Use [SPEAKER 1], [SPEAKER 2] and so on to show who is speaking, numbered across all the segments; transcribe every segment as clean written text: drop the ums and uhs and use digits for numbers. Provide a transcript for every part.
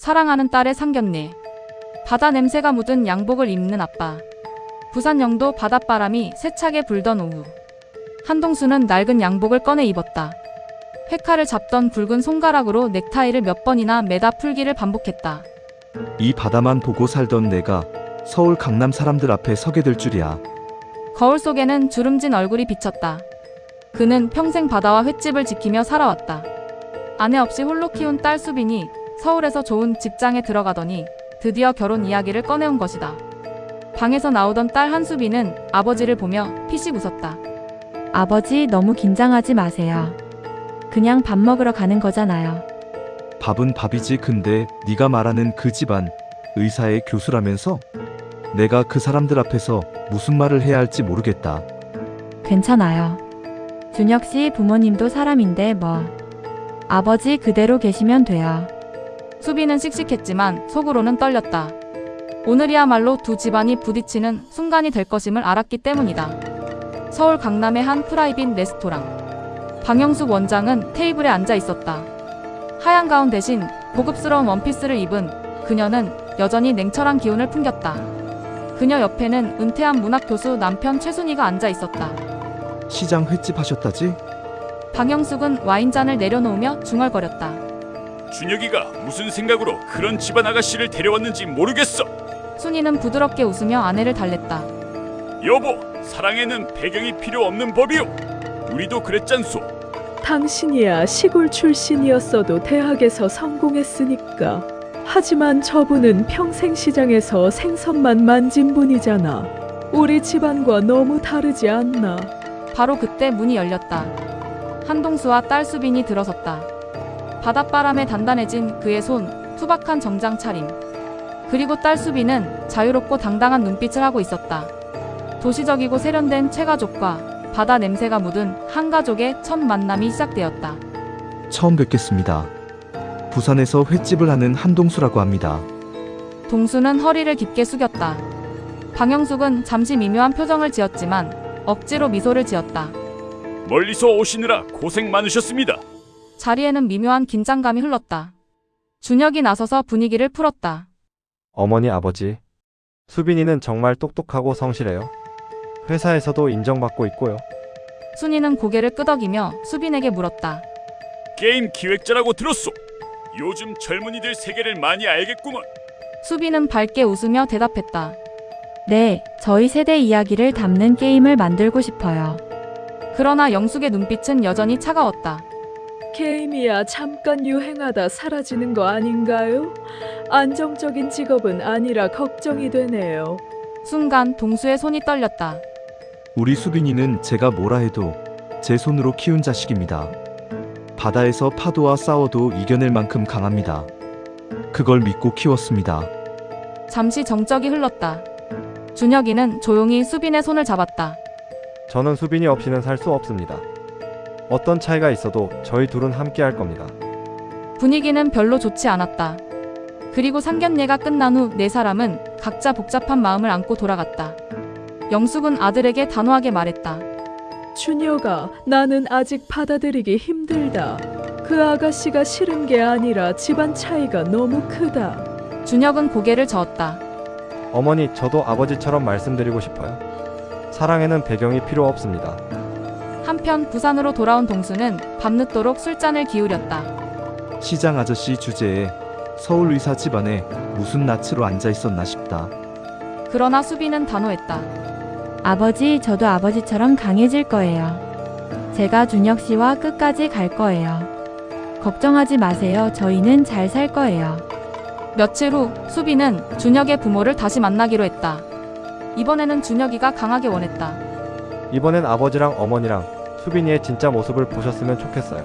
[SPEAKER 1] 사랑하는 딸의 상견례. 바다 냄새가 묻은 양복을 입는 아빠. 부산 영도 바닷바람이 세차게 불던 오후. 한동수는 낡은 양복을 꺼내 입었다. 회칼을 잡던 굵은 손가락으로 넥타이를 몇 번이나 매다 풀기를 반복했다.
[SPEAKER 2] 이 바다만 보고 살던 내가 서울 강남 사람들 앞에 서게 될 줄이야.
[SPEAKER 1] 거울 속에는 주름진 얼굴이 비쳤다. 그는 평생 바다와 횟집을 지키며 살아왔다. 아내 없이 홀로 키운 딸 수빈이 서울에서 좋은 직장에 들어가더니 드디어 결혼 이야기를 꺼내온 것이다. 방에서 나오던 딸 한수빈은 아버지를 보며 피식 웃었다.
[SPEAKER 3] 아버지 너무 긴장하지 마세요. 그냥 밥 먹으러 가는 거잖아요.
[SPEAKER 2] 밥은 밥이지. 근데 네가 말하는 그 집안 의사의 교수라면서? 내가 그 사람들 앞에서 무슨 말을 해야 할지 모르겠다.
[SPEAKER 3] 괜찮아요. 준혁 씨 부모님도 사람인데 뭐. 아버지 그대로 계시면 돼요.
[SPEAKER 1] 수빈은 씩씩했지만 속으로는 떨렸다. 오늘이야말로 두 집안이 부딪히는 순간이 될 것임을 알았기 때문이다. 서울 강남의 한 프라이빗 레스토랑. 방영숙 원장은 테이블에 앉아 있었다. 하얀 가운 대신 고급스러운 원피스를 입은 그녀는 여전히 냉철한 기운을 풍겼다. 그녀 옆에는 은퇴한 문학교수 남편 최순희가 앉아 있었다.
[SPEAKER 2] 시장 횟집 하셨다지?
[SPEAKER 1] 방영숙은 와인잔을 내려놓으며 중얼거렸다.
[SPEAKER 4] 준혁이가 무슨 생각으로 그런 집안 아가씨를 데려왔는지 모르겠어.
[SPEAKER 1] 순희는 부드럽게 웃으며 아내를 달랬다.
[SPEAKER 4] 여보, 사랑에는 배경이 필요 없는 법이요. 우리도 그랬잖소.
[SPEAKER 5] 당신이야 시골 출신이었어도 대학에서 성공했으니까. 하지만 저분은 평생 시장에서 생선만 만진 분이잖아. 우리 집안과 너무 다르지 않나?
[SPEAKER 1] 바로 그때 문이 열렸다. 한동수와 딸 수빈이 들어섰다. 바닷바람에 단단해진 그의 손, 투박한 정장 차림. 그리고 딸 수빈은 자유롭고 당당한 눈빛을 하고 있었다. 도시적이고 세련된 최가족과 바다 냄새가 묻은 한 가족의 첫 만남이 시작되었다.
[SPEAKER 2] 처음 뵙겠습니다. 부산에서 횟집을 하는 한동수라고 합니다.
[SPEAKER 1] 동수는 허리를 깊게 숙였다. 방영숙은 잠시 미묘한 표정을 지었지만 억지로 미소를 지었다.
[SPEAKER 4] 멀리서 오시느라 고생 많으셨습니다.
[SPEAKER 1] 자리에는 미묘한 긴장감이 흘렀다. 준혁이 나서서 분위기를 풀었다.
[SPEAKER 6] 어머니 아버지, 수빈이는 정말 똑똑하고 성실해요. 회사에서도 인정받고 있고요.
[SPEAKER 1] 순이는 고개를 끄덕이며 수빈에게 물었다.
[SPEAKER 4] 게임 기획자라고 들었소. 요즘 젊은이들 세계를 많이 알겠구먼.
[SPEAKER 1] 수빈은 밝게 웃으며 대답했다.
[SPEAKER 3] 네, 저희 세대 이야기를 담는 게임을 만들고 싶어요.
[SPEAKER 1] 그러나 영숙의 눈빛은 여전히 차가웠다.
[SPEAKER 5] 게임이야 잠깐 유행하다 사라지는 거 아닌가요? 안정적인 직업은 아니라 걱정이 되네요.
[SPEAKER 1] 순간 동수의 손이 떨렸다.
[SPEAKER 2] 우리 수빈이는 제가 뭐라 해도 제 손으로 키운 자식입니다. 바다에서 파도와 싸워도 이겨낼 만큼 강합니다. 그걸 믿고 키웠습니다.
[SPEAKER 1] 잠시 정적이 흘렀다. 준혁이는 조용히 수빈의 손을 잡았다.
[SPEAKER 6] 저는 수빈이 없이는 살 수 없습니다. 어떤 차이가 있어도 저희 둘은 함께 할 겁니다.
[SPEAKER 1] 분위기는 별로 좋지 않았다. 그리고 상견례가 끝난 후 네 사람은 각자 복잡한 마음을 안고 돌아갔다. 영숙은 아들에게 단호하게 말했다.
[SPEAKER 5] 준혁아, 나는 아직 받아들이기 힘들다. 그 아가씨가 싫은 게 아니라 집안 차이가 너무 크다.
[SPEAKER 1] 준혁은 고개를 저었다.
[SPEAKER 6] 어머니, 저도 아버지처럼 말씀드리고 싶어요. 사랑에는 배경이 필요 없습니다.
[SPEAKER 1] 한편 부산으로 돌아온 동수는 밤늦도록 술잔을 기울였다.
[SPEAKER 2] 시장 아저씨 주제에 서울 의사 집안에 무슨 낯으로 앉아 있었나 싶다.
[SPEAKER 1] 그러나 수빈은 단호했다.
[SPEAKER 3] 아버지, 저도 아버지처럼 강해질 거예요. 제가 준혁 씨와 끝까지 갈 거예요. 걱정하지 마세요. 저희는 잘 살 거예요.
[SPEAKER 1] 며칠 후 수빈은 준혁의 부모를 다시 만나기로 했다. 이번에는 준혁이가 강하게 원했다.
[SPEAKER 6] 이번엔 아버지랑 어머니랑 수빈이의 진짜 모습을 보셨으면 좋겠어요.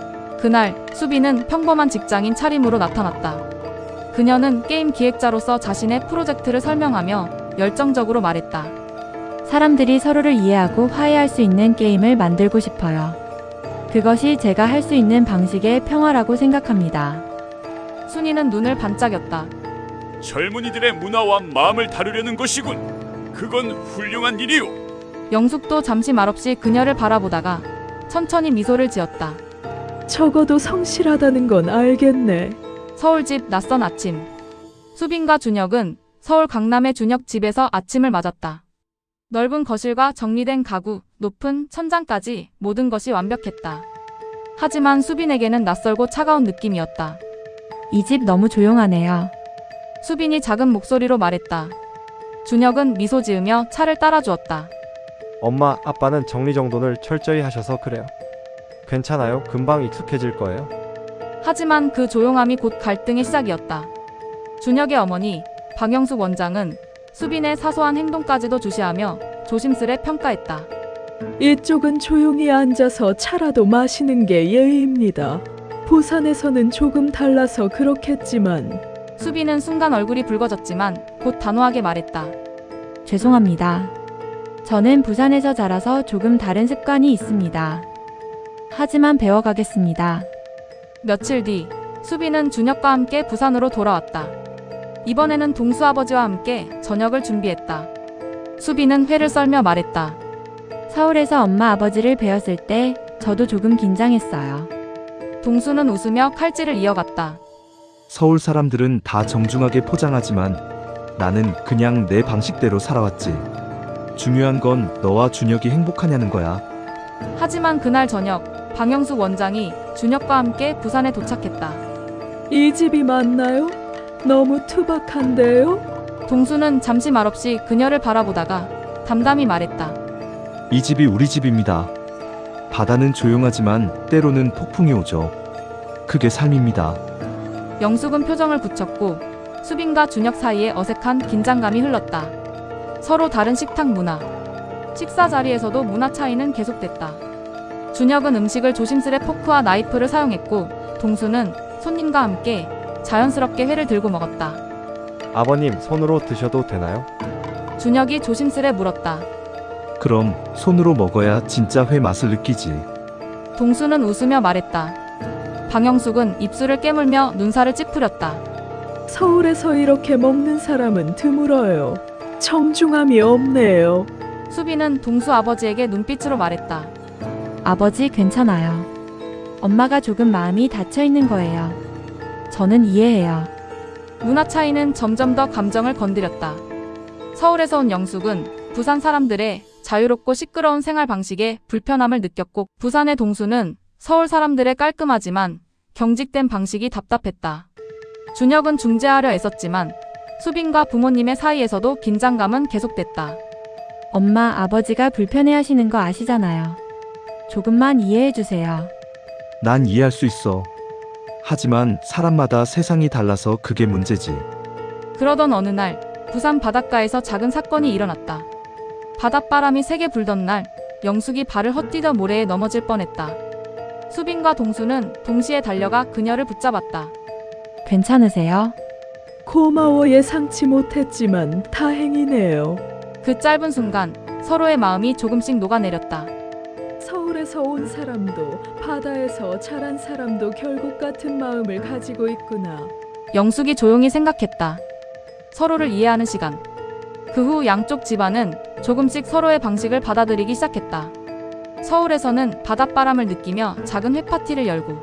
[SPEAKER 1] 그날 수빈은 평범한 직장인 차림으로 나타났다. 그녀는 게임 기획자로서 자신의 프로젝트를 설명하며 열정적으로 말했다.
[SPEAKER 3] 사람들이 서로를 이해하고 화해할 수 있는 게임을 만들고 싶어요. 그것이 제가 할 수 있는 방식의 평화라고 생각합니다.
[SPEAKER 1] 순이는 눈을 반짝였다.
[SPEAKER 4] 젊은이들의 문화와 마음을 다루려는 것이군. 그건 훌륭한 일이오.
[SPEAKER 1] 영숙도 잠시 말없이 그녀를 바라보다가 천천히 미소를 지었다.
[SPEAKER 5] 적어도 성실하다는 건 알겠네.
[SPEAKER 1] 서울집 낯선 아침. 수빈과 준혁은 서울 강남의 준혁 집에서 아침을 맞았다. 넓은 거실과 정리된 가구, 높은 천장까지 모든 것이 완벽했다. 하지만 수빈에게는 낯설고 차가운 느낌이었다.
[SPEAKER 3] 이 집 너무 조용하네요.
[SPEAKER 1] 수빈이 작은 목소리로 말했다. 준혁은 미소 지으며 차를 따라주었다.
[SPEAKER 6] 엄마, 아빠는 정리정돈을 철저히 하셔서 그래요. 괜찮아요. 금방 익숙해질 거예요.
[SPEAKER 1] 하지만 그 조용함이 곧 갈등의 시작이었다. 준혁의 어머니 박영숙 원장은 수빈의 사소한 행동까지도 주시하며 조심스레 평가했다.
[SPEAKER 5] 이쪽은 조용히 앉아서 차라도 마시는 게 예의입니다. 부산에서는 조금 달라서 그렇겠지만
[SPEAKER 1] 수빈은 순간 얼굴이 붉어졌지만 곧 단호하게 말했다.
[SPEAKER 3] 죄송합니다. 저는 부산에서 자라서 조금 다른 습관이 있습니다. 하지만 배워가겠습니다.
[SPEAKER 1] 며칠 뒤 수빈은 준혁과 함께 부산으로 돌아왔다. 이번에는 동수아버지와 함께 저녁을 준비했다. 수빈은 회를 썰며 말했다.
[SPEAKER 3] 서울에서 엄마 아버지를 뵈었을 때 저도 조금 긴장했어요.
[SPEAKER 1] 동수는 웃으며 칼질을 이어갔다.
[SPEAKER 2] 서울 사람들은 다 정중하게 포장하지만 나는 그냥 내 방식대로 살아왔지. 중요한 건 너와 준혁이 행복하냐는 거야.
[SPEAKER 1] 하지만 그날 저녁 박영숙 원장이 준혁과 함께 부산에 도착했다.
[SPEAKER 5] 이 집이 맞나요? 너무 투박한데요?
[SPEAKER 1] 동수는 잠시 말없이 그녀를 바라보다가 담담히 말했다.
[SPEAKER 2] 이 집이 우리 집입니다. 바다는 조용하지만 때로는 폭풍이 오죠. 그게 삶입니다.
[SPEAKER 1] 영숙은 표정을 굳혔고 수빈과 준혁 사이에 어색한 긴장감이 흘렀다. 서로 다른 식탁 문화. 식사 자리에서도 문화 차이는 계속됐다. 준혁은 음식을 조심스레 포크와 나이프를 사용했고 동수는 손님과 함께 자연스럽게 회를 들고 먹었다.
[SPEAKER 6] 아버님, 손으로 드셔도 되나요?
[SPEAKER 1] 준혁이 조심스레 물었다.
[SPEAKER 2] 그럼 손으로 먹어야 진짜 회 맛을 느끼지.
[SPEAKER 1] 동수는 웃으며 말했다. 박영숙은 입술을 깨물며 눈살을 찌푸렸다.
[SPEAKER 5] 서울에서 이렇게 먹는 사람은 드물어요. 정중함이 없네요.
[SPEAKER 1] 수빈은 동수 아버지에게 눈빛으로 말했다.
[SPEAKER 3] 아버지 괜찮아요. 엄마가 조금 마음이 닫혀 있는 거예요. 저는 이해해요.
[SPEAKER 1] 문화 차이는 점점 더 감정을 건드렸다. 서울에서 온 영숙은 부산 사람들의 자유롭고 시끄러운 생활 방식에 불편함을 느꼈고 부산의 동수는 서울 사람들의 깔끔하지만 경직된 방식이 답답했다. 준혁은 중재하려 애썼지만 수빈과 부모님의 사이에서도 긴장감은 계속됐다.
[SPEAKER 3] 엄마 아버지가 불편해하시는 거 아시잖아요. 조금만 이해해주세요.
[SPEAKER 2] 난 이해할 수 있어. 하지만 사람마다 세상이 달라서 그게 문제지.
[SPEAKER 1] 그러던 어느 날 부산 바닷가에서 작은 사건이 일어났다. 바닷바람이 세게 불던 날 영숙이 발을 헛디뎌 모래에 넘어질 뻔했다. 수빈과 동수는 동시에 달려가 그녀를 붙잡았다.
[SPEAKER 3] 괜찮으세요?
[SPEAKER 5] 고마워. 예상치 못했지만 다행이네요.
[SPEAKER 1] 그 짧은 순간 서로의 마음이 조금씩 녹아내렸다.
[SPEAKER 5] 서울에서 온 사람도 바다에서 자란 사람도 결국 같은 마음을 가지고 있구나.
[SPEAKER 1] 영숙이 조용히 생각했다. 서로를 이해하는 시간. 그 후 양쪽 집안은 조금씩 서로의 방식을 받아들이기 시작했다. 서울에서는 바닷바람을 느끼며 작은 회파티를 열고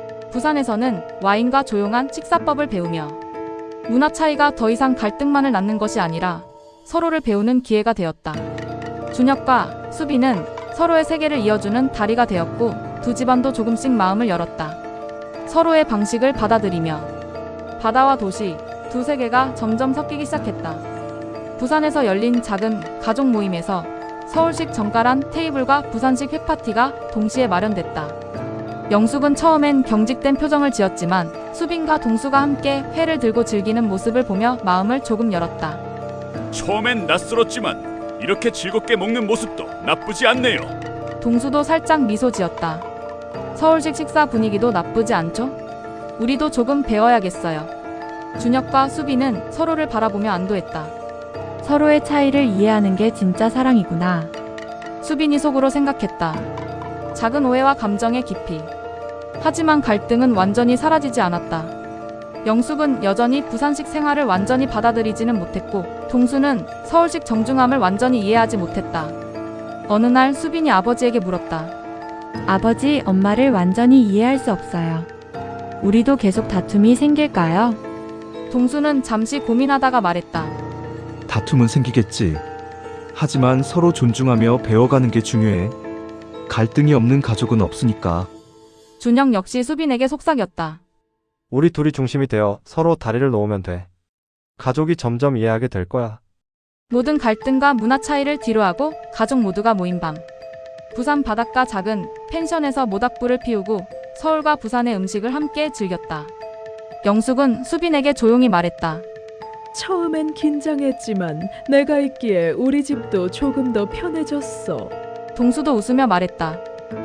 [SPEAKER 1] 부산에서는 와인과 조용한 식사법을 배우며 문화 차이가 더 이상 갈등만을 낳는 것이 아니라 서로를 배우는 기회가 되었다. 준혁과 수빈은 서로의 세계를 이어주는 다리가 되었고 두 집안도 조금씩 마음을 열었다. 서로의 방식을 받아들이며 바다와 도시, 두 세계가 점점 섞이기 시작했다. 부산에서 열린 작은 가족 모임에서 서울식 정갈한 테이블과 부산식 회파티가 동시에 마련됐다. 영숙은 처음엔 경직된 표정을 지었지만 수빈과 동수가 함께 회를 들고 즐기는 모습을 보며 마음을 조금 열었다.
[SPEAKER 4] 처음엔 낯설었지만 이렇게 즐겁게 먹는 모습도 나쁘지 않네요.
[SPEAKER 1] 동수도 살짝 미소 지었다. 서울식 식사 분위기도 나쁘지 않죠? 우리도 조금 배워야겠어요. 준혁과 수빈은 서로를 바라보며 안도했다.
[SPEAKER 3] 서로의 차이를 이해하는 게 진짜 사랑이구나.
[SPEAKER 1] 수빈이 속으로 생각했다. 작은 오해와 감정의 깊이. 하지만 갈등은 완전히 사라지지 않았다. 영숙은 여전히 부산식 생활을 완전히 받아들이지는 못했고 동수는 서울식 정중함을 완전히 이해하지 못했다. 어느 날 수빈이 아버지에게 물었다.
[SPEAKER 3] 아버지, 엄마를 완전히 이해할 수 없어요. 우리도 계속 다툼이 생길까요?
[SPEAKER 1] 동수는 잠시 고민하다가 말했다.
[SPEAKER 2] 다툼은 생기겠지. 하지만 서로 존중하며 배워가는 게 중요해. 갈등이 없는 가족은 없으니까.
[SPEAKER 1] 준혁 역시 수빈에게 속삭였다.
[SPEAKER 6] 우리 둘이 중심이 되어 서로 다리를 놓으면 돼. 가족이 점점 이해하게 될 거야.
[SPEAKER 1] 모든 갈등과 문화 차이를 뒤로하고 가족 모두가 모인 밤. 부산 바닷가 작은 펜션에서 모닥불을 피우고 서울과 부산의 음식을 함께 즐겼다. 영숙은 수빈에게 조용히 말했다.
[SPEAKER 5] 처음엔 긴장했지만 내가 있기에 우리 집도 조금 더 편해졌어.
[SPEAKER 1] 동수도 웃으며 말했다.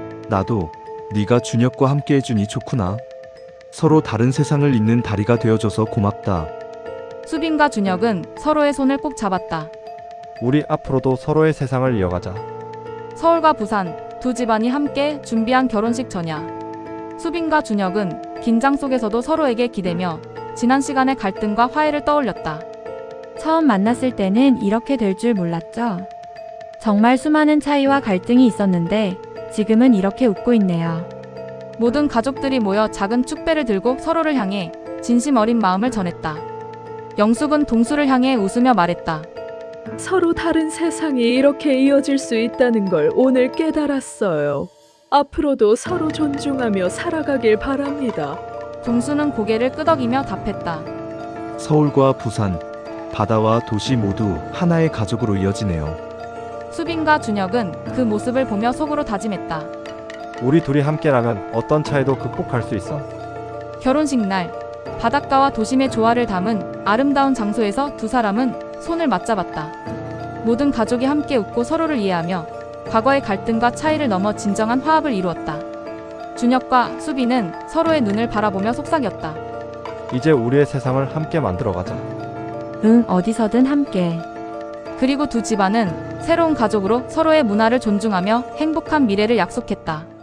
[SPEAKER 2] 나도 네가 준혁과 함께 해주니 좋구나. 서로 다른 세상을 잇는 다리가 되어줘서 고맙다.
[SPEAKER 1] 수빈과 준혁은 서로의 손을 꼭 잡았다.
[SPEAKER 6] 우리 앞으로도 서로의 세상을 이어가자.
[SPEAKER 1] 서울과 부산 두 집안이 함께 준비한 결혼식 전야. 수빈과 준혁은 긴장 속에서도 서로에게 기대며 지난 시간의 갈등과 화해를 떠올렸다.
[SPEAKER 3] 처음 만났을 때는 이렇게 될 줄 몰랐죠. 정말 수많은 차이와 갈등이 있었는데 지금은 이렇게 웃고 있네요.
[SPEAKER 1] 모든 가족들이 모여 작은 축배를 들고 서로를 향해 진심 어린 마음을 전했다. 영숙은 동수를 향해 웃으며 말했다.
[SPEAKER 5] 서로 다른 세상이 이렇게 이어질 수 있다는 걸 오늘 깨달았어요. 앞으로도 서로 존중하며 살아가길 바랍니다.
[SPEAKER 1] 동수는 고개를 끄덕이며 답했다.
[SPEAKER 2] 서울과 부산, 바다와 도시 모두 하나의 가족으로 이어지네요.
[SPEAKER 1] 수빈과 준혁은 그 모습을 보며 속으로 다짐했다.
[SPEAKER 6] 우리 둘이 함께라면 어떤 차이도 극복할 수 있어.
[SPEAKER 1] 결혼식 날 바닷가와 도심의 조화를 담은 아름다운 장소에서 두 사람은 손을 맞잡았다. 모든 가족이 함께 웃고 서로를 이해하며 과거의 갈등과 차이를 넘어 진정한 화합을 이루었다. 준혁과 수빈은 서로의 눈을 바라보며 속삭였다.
[SPEAKER 6] 이제 우리의 세상을 함께 만들어가자.
[SPEAKER 3] 응, 어디서든 함께.
[SPEAKER 1] 그리고 두 집안은 새로운 가족으로 서로의 문화를 존중하며 행복한 미래를 약속했다.